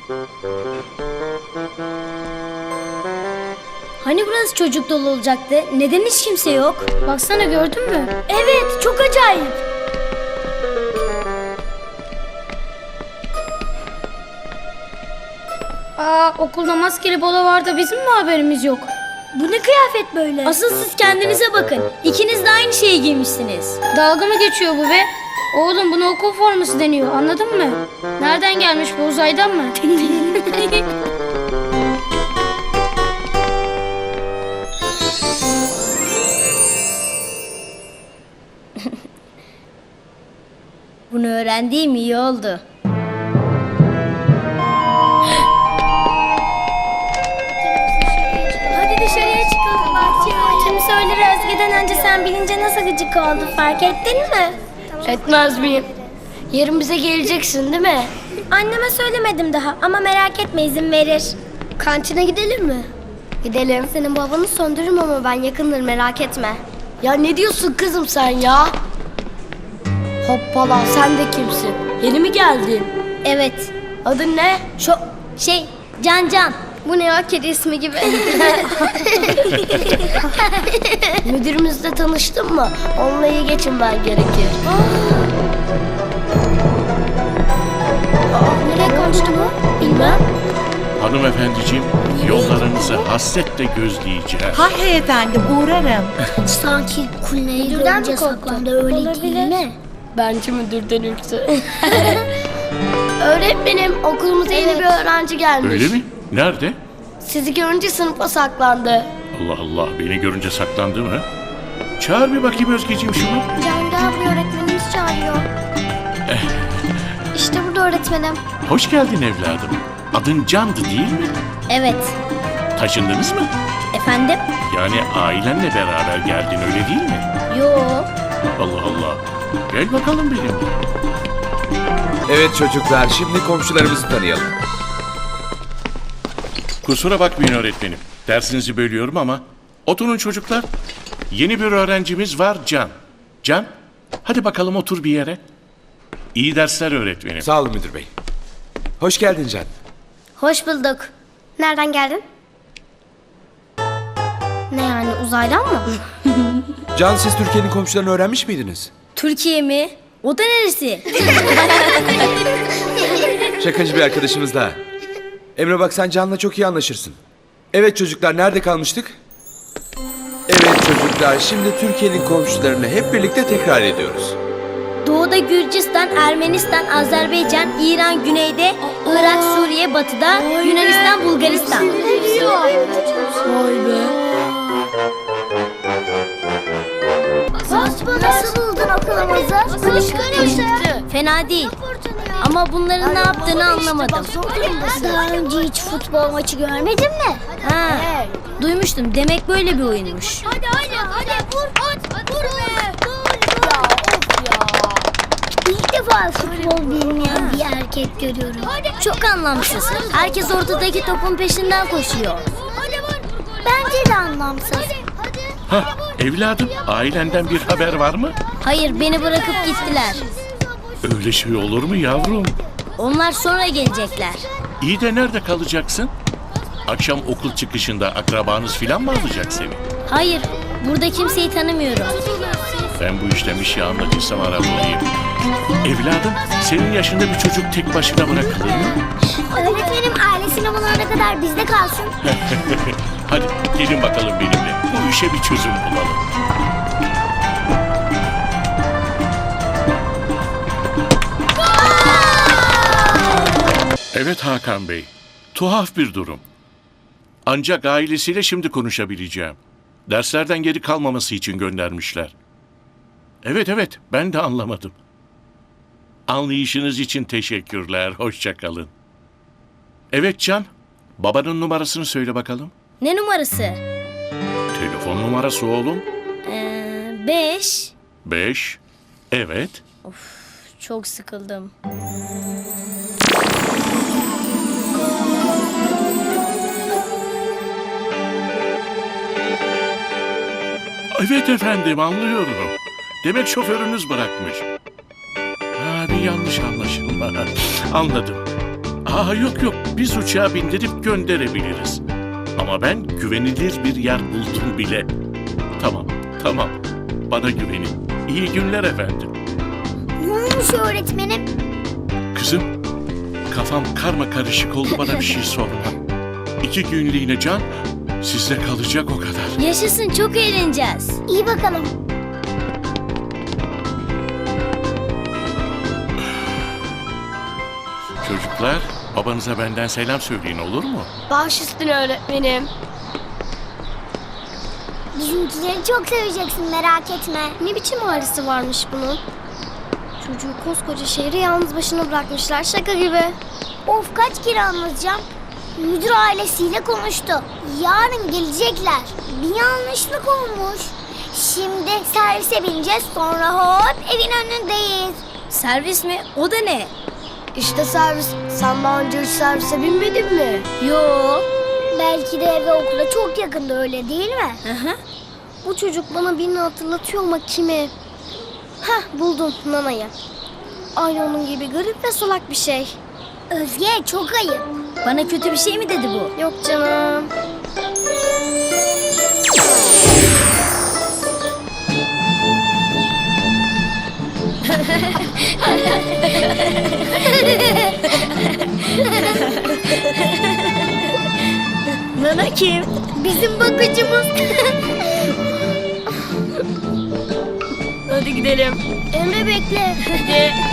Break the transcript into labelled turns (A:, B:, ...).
A: Hani burası çocuk dolu olacaktı? Neden hiç kimse yok? Baksana, gördün mü? Evet, çok acayip. Okulda maskeli balo var da bizim mi haberimiz yok? Bu ne kıyafet böyle? Asıl siz kendinize bakın. İkiniz de aynı şeyi giymişsiniz. Dalga mı geçiyor bu be? Oğlum, buna okul forması deniyor, anladın mı? Nereden gelmiş bu, uzaydan mı? Bunu öğrendiğim iyi oldu. Hadi dışarıya çıkalım bahçeye. Kim söyler, Özge'den önce sen bilince nasıl gıcık oldu, fark ettin mi?
B: Etmez miyim? Yarın bize geleceksin değil mi?
A: Anneme söylemedim daha ama merak etme, izin verir.
B: Kantine gidelim mi?
A: Gidelim. Senin babanı söndürürüm ama ben yakındır, merak etme.
B: Ya ne diyorsun kızım sen ya? Hoppala, sen de kimsin? Yeni mi geldin?
A: Evet.
B: Adın ne?
A: Can.
B: Bu ne ya, kedi ismi gibi. Müdürümüzle tanıştın mı? Onunla iyi geçinmen gerekir.
A: Nereye kaçtı bu?
B: Bilmem.
C: Hanımefendiciğim, yollarınızı hasretle gözleyeceğiz.
D: Hay efendim, uğrarım.
A: Sanki kuleyi görünce saklandı, öyle değil mi?
B: Bence müdürden ürktü. Öğretmenim, okulumuza yeni bir öğrenci gelmiş.
C: Öyle mi? Nerede?
B: Sizi görünce sınıfa saklandı.
C: Allah Allah, beni görünce saklandı mı? Çağır bir bakayım Özgeciğim şunu.
A: Can gel buraya, öğretmenimiz çağırıyor. İşte burada öğretmenim.
C: Hoş geldin evladım. Adın Can'dı değil mi?
A: Evet.
C: Taşındınız mı?
A: Efendim?
C: Yani ailenle beraber geldin öyle değil mi?
A: Yo.
C: Allah Allah. Gel bakalım benimle.
E: Evet çocuklar, şimdi komşularımızı tanıyalım.
C: Kusura bakmayın öğretmenim. Dersinizi bölüyorum ama oturun çocuklar. Yeni bir öğrencimiz var, Can. Can, hadi bakalım otur bir yere. İyi dersler öğretmenim.
E: Sağ olun müdür bey. Hoş geldin Can.
A: Hoş bulduk. Nereden geldin? Ne yani, uzaydan mı?
E: Can, siz Türkiye'nin komşularını öğrenmiş miydiniz?
A: Türkiye mi? O da neresi?
E: Şakacı bir arkadaşımız daha. Emre bak, sen Can'la çok iyi anlaşırsın. Evet çocuklar, nerede kalmıştık? Evet çocuklar, şimdi Türkiye'nin komşularını hep birlikte tekrar ediyoruz.
A: Doğuda Gürcistan, Ermenistan, Azerbaycan, İran güneyde, Irak, Suriye batıda, Yunanistan, Bulgaristan.
B: Vay be.
A: Nasıl buldun okulumuzu? Fena değil. Ama bunların ne yaptığını anlamadım. Daha önce hiç futbol maçı görmedin mi? Ha, duymuştum. Demek böyle bir oyunmuş.
F: Hadi vur vur be.
A: İlk defa futbol bilmeyen bir erkek görüyorum. Çok anlamsız. Herkes ortadaki topun peşinden koşuyor. Bence de anlamsız.
C: Hah, evladım, ailenden bir haber var mı?
A: Hayır, beni bırakıp gittiler.
C: Öyle şey olur mu yavrum?
A: Onlar sonra gelecekler.
C: İyi de nerede kalacaksın? Akşam okul çıkışında akrabanız filan mı alacak seni?
A: Hayır, burada kimseyi tanımıyorum.
C: Ben bu işten bir şey anlatırsam ara bulayım. Evladım, senin yaşında bir çocuk tek başına bırakılır mı?
A: Öğretmenim, ailesini bulana kadar bizde kalsın.
C: Hadi gelin bakalım benimle. Bu işe bir çözüm bulalım. Evet Hakan Bey, tuhaf bir durum. Ancak ailesiyle şimdi konuşabileceğim. Derslerden geri kalmaması için göndermişler. Evet, ben de anlamadım. Anlayışınız için teşekkürler, hoşça kalın. Evet Can, babanın numarasını söyle bakalım.
A: Ne numarası?
C: Telefon numarası oğlum.
A: 5.
C: 5. Evet.
A: Çok sıkıldım.
C: Evet efendim, anlıyorum. Demek şoförünüz bırakmış. Ha, bir yanlış anlaşılma. Anladım. Yok yok, biz uçağa bindirip gönderebiliriz. Ama ben güvenilir bir yer buldum bile. Tamam, bana güvenin. İyi günler efendim.
F: Ne olmuş öğretmenim?
C: Kızım, kafam karma karışık oldu, bana bir şey sorma. 2 günlüğüne Can sizde kalacak o kadar.
A: Yaşasın, çok eğleneceğiz.
F: İyi bakalım.
C: Çocuklar, babanıza benden selam söyleyin, olur mu?
B: Baş üstüne öğretmenim.
F: Bizimkileri çok seveceksin, merak etme.
B: Ne biçim ailesi varmış bunun? Çocuğu koskoca şehri yalnız başına bırakmışlar, şaka gibi.
F: Of, kaç kere anlatacağım. Müdür ailesiyle konuştu. Yarın gelecekler. Bir yanlışlık olmuş. Şimdi servise bineceğiz, sonra hop evin önündeyiz.
A: Servis mi? O da ne?
B: İşte servis. Sen daha önce hiç servise binmedin mi?
A: Yo.
F: Belki de eve okula çok yakında, öyle değil mi?
B: Bu çocuk bana birini hatırlatıyor ama kimi? Hah, buldum, Nana'yı. Aynı onun gibi garip ve salak bir şey.
F: Özge, çok ayıp.
A: Bana kötü bir şey mi dedi bu?
B: Yok canım.
A: Nana kim?
F: Bizim bakıcımız.
B: Hadi gidelim.
F: Emre, bekle.
B: Hadi.